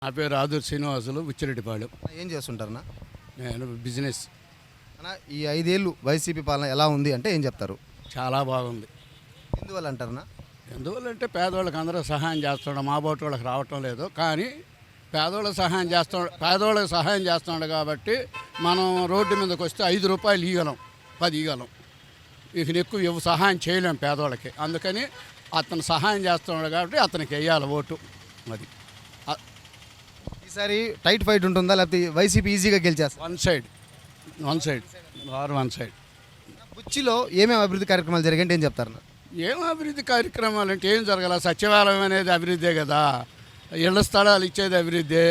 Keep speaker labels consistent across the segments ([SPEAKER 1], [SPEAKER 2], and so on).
[SPEAKER 1] నా పేరు ఆదూర్ శ్రీనివాసులు ఉచ్చిరెడ్డిపాళెం.
[SPEAKER 2] ఏం చేస్తుంటారన్నా?
[SPEAKER 1] నేను బిజినెస్.
[SPEAKER 2] అన్న, ఈ 5 ఏళ్ళు వైసీపీ పాలన ఎలా ఉంది అంటే ఏం చెప్తారు?
[SPEAKER 1] చాలా బాగుంది.
[SPEAKER 2] ఎందువల్ల అంటారన్నా?
[SPEAKER 1] ఎందువల్లంటే పేదవాళ్ళకి అందరూ సహాయం చేస్తున్నాడు, మా బోటి వాళ్ళకి రావటం లేదు. కానీ పేదవాళ్ళకి సహాయం చేస్తున్నాడు కాబట్టి మనం రోడ్డు మీదకి వస్తే 5 రూపాయలు ఇవ్వగలం, 10 ఇవ్వగలం. ఇక ఎక్కువ సహాయం చేయలేం పేదవాళ్ళకి. అందుకని అతను సహాయం చేస్తున్నాడు కాబట్టి అతనికి వేయాలి ఓటు. అది
[SPEAKER 2] ఈసారి టైట్ ఫైట్ ఉంటుందా లేకపోతే వైసీపీ ఈజీగా గెలిచేస్తారు?
[SPEAKER 1] One side.
[SPEAKER 2] బుచ్చిలో ఏమేమి అభివృద్ధి కార్యక్రమాలు జరిగాయంటే ఏం చెప్తారన్నా?
[SPEAKER 1] ఏం అభివృద్ధి కార్యక్రమాలు అంటే ఏం జరగాల? సచివాలయం అనేది అభివృద్ధే కదా, ఇళ్ల స్థలాలు ఇచ్చేది అభివృద్ధి.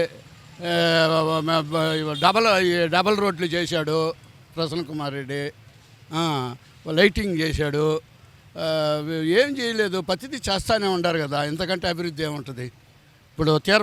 [SPEAKER 1] డబల్ రోడ్లు చేశాడు ప్రసన్న కుమార్ రెడ్డి, లైటింగ్ చేశాడు. ఏం చేయలేదు, ప్రతిదీ చేస్తూనే ఉంటారు కదా, ఇంతకంటే అభివృద్ధి ఏముంటుంది? ఇప్పుడు తీర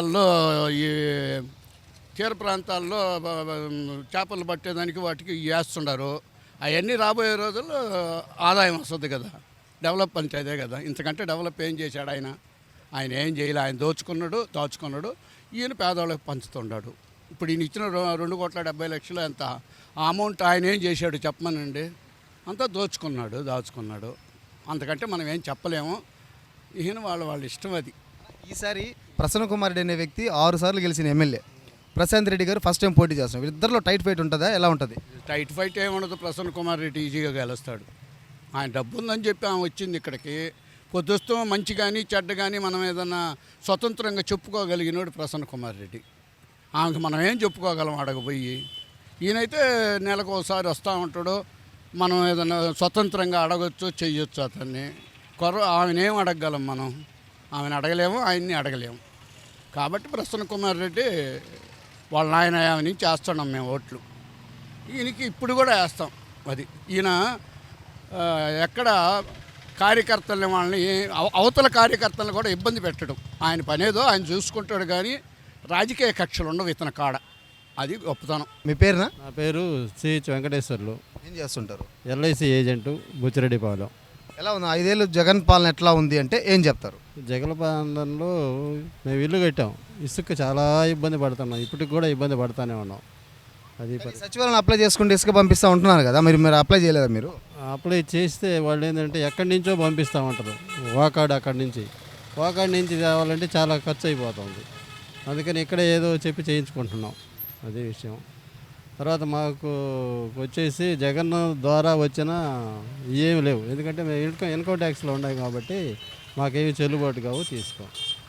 [SPEAKER 1] ప్రాంతాల్లో చేపలు పట్టేదానికి వాటికి వేస్తున్నారు. అవన్నీ రాబోయే రోజుల్లో ఆదాయం వస్తుంది కదా, డెవలప్మెంట్ అదే కదా. ఇంతకంటే డెవలప్ ఏం చేశాడు ఆయన? ఆయన ఏం చేయలే. ఆయన దాచుకున్నాడు. ఈయన పేదవాళ్ళకి పంచుతున్నాడు. ఇప్పుడు ఈయన ఇచ్చిన 2,70,00,000 ఎంత ఆ అమౌంట్ ఆయన ఏం చేశాడు చెప్పమనండి? అంతా దాచుకున్నాడు. అంతకంటే మనం ఏం చెప్పలేము. ఈయన వాళ్ళ ఇష్టం అది.
[SPEAKER 2] ఈసారి ప్రసన్న కుమార్ రెడ్డి అనే వ్యక్తి 6 సార్లు గెలిచిన ఎమ్మెల్యే, ప్రశాంత్ రెడ్డి గారు ఫస్ట్ టైం పోటీ చేస్తున్నారు. ఇద్దరిలో టైట్ ఫైట్ ఉంటుందా, ఎలా ఉంటుంది?
[SPEAKER 1] టైట్ ఫైట్ ఏముండదు. ప్రసన్న కుమార్ రెడ్డి ఈజీగా గెలుస్తాడు. ఆయన డబ్బు ఉందని చెప్పి ఆమె వచ్చింది ఇక్కడికి. పొద్దుస్తూ మంచి కానీ చెడ్డ కానీ మనం ఏదన్నా స్వతంత్రంగా చెప్పుకోగలిగినోడు ప్రసన్న కుమార్ రెడ్డి. ఆమెకు మనం ఏం చెప్పుకోగలం అడగపోయి? ఈయనైతే నెలకు ఒకసారి వస్తూ ఉంటాడు. మనం ఏదైనా స్వతంత్రంగా అడగచ్చు, చెయ్యొచ్చు అతన్ని. ఆమెనేం అడగగలం మనం? ఆమెను అడగలేము, ఆయన్ని అడగలేము. కాబట్టి ప్రసన్న కుమార్ రెడ్డి వాళ్ళ నాయన నుంచి వేస్తున్నాం మేము ఓట్లు. ఈయనకి ఇప్పుడు కూడా వేస్తాం. అది ఈయన ఎక్కడ కార్యకర్తలని వాళ్ళని అవతల కార్యకర్తలను కూడా ఇబ్బంది పెట్టడం. ఆయన పనేదో ఆయన చూసుకుంటాడు, కానీ రాజకీయ కక్షలు ఉండవు ఇతని కాడ. అది గొప్పతనం.
[SPEAKER 2] మీ పేరునా?
[SPEAKER 3] నా పేరు సిహెచ్ వెంకటేశ్వర్లు.
[SPEAKER 2] ఏం చేస్తుంటారు?
[SPEAKER 3] LIC agent, Buchireddypalem.
[SPEAKER 2] ఎలా ఉంది 5 ఏళ్ళు జగన్ పాలన ఎట్లా ఉంది అంటే ఏం చెప్తారు?
[SPEAKER 3] జగన్ పాలనలో మేము ఇల్లు కట్టాం, ఇసుక చాలా ఇబ్బంది పడుతున్నాం, ఇప్పటికి కూడా ఇబ్బంది పడుతూనే ఉన్నాం. అది
[SPEAKER 2] సచివాలయం అప్లై చేసుకుంటే ఇసుక పంపిస్తూ ఉంటున్నారు కదా, మీరు అప్లై చేయలేదా? మీరు
[SPEAKER 3] అప్లై చేస్తే వాళ్ళు ఏంటంటే ఎక్కడి నుంచో పంపిస్తామంటారు. అక్కడి నుంచి తేవాలంటే చాలా ఖర్చు అయిపోతుంది. అందుకని ఇక్కడ ఏదో చెప్పి చేయించుకుంటున్నాం, అదే విషయం. తర్వాత మాకు వచ్చేసి జగన్ ద్వారా వచ్చిన ఏమి లేవు, ఎందుకంటే మేము ఇన్కమ్ ట్యాక్స్లో ఉన్నాయి కాబట్టి మాకేమి చెల్లుబాటు కావు, తీసుకోం.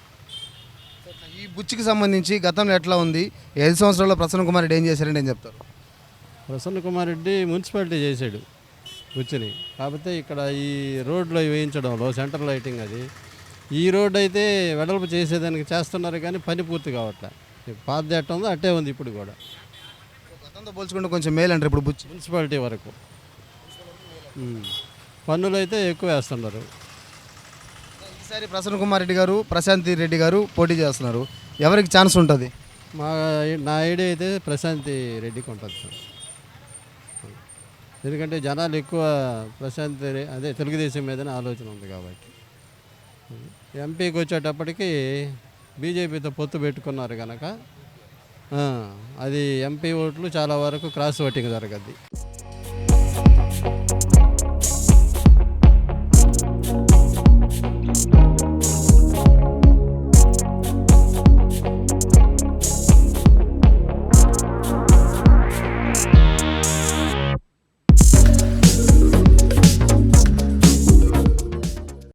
[SPEAKER 2] ఈ బుచ్చికి సంబంధించి గతంలో ఎట్లా ఉంది? 5 సంవత్సరాల్లో ప్రసన్న కుమార్ రెడ్డి ఏం చేశారంటే ఏం చెప్తారు?
[SPEAKER 3] ప్రసన్న కుమార్ రెడ్డి మున్సిపాలిటీ చేశాడు బుచ్చిని. కాకపోతే ఇక్కడ ఈ రోడ్లో వేయించడంలో సెంటర్ లైటింగ్ అది, ఈ రోడ్డు అయితే వెడల్పు చేసేదానికి చేస్తున్నారు కానీ పని పూర్తి కావట్లే. పాత ఎట్ట ఉందో అట్టే ఉంది ఇప్పుడు కూడా.
[SPEAKER 2] గతంతో పోల్చుకుంటే కొంచెం మేలు అంటారు ఇప్పుడు బుచ్చి
[SPEAKER 3] మున్సిపాలిటీ వరకు. పన్నులు అయితే ఎక్కువ వేస్తున్నారు.
[SPEAKER 2] ఈసారి ప్రసన్న కుమార్ రెడ్డి గారు, ప్రశాంత్ రెడ్డి గారు పోటీ చేస్తున్నారు. ఎవరికి ఛాన్స్ ఉంటుంది?
[SPEAKER 3] నా ఐడియా అయితే ప్రశాంత్ రెడ్డికి ఉంటుంది సార్. ఎందుకంటే జనాలు ఎక్కువ అదే తెలుగుదేశం మీదనే ఆలోచన ఉంది కాబట్టి. ఎంపీకి వచ్చేటప్పటికి బీజేపీతో పొత్తు పెట్టుకున్నారు కనుక అది ఎంపీ ఓట్లు చాలా వరకు క్రాస్ ఓటింగ్ జరగద్ది.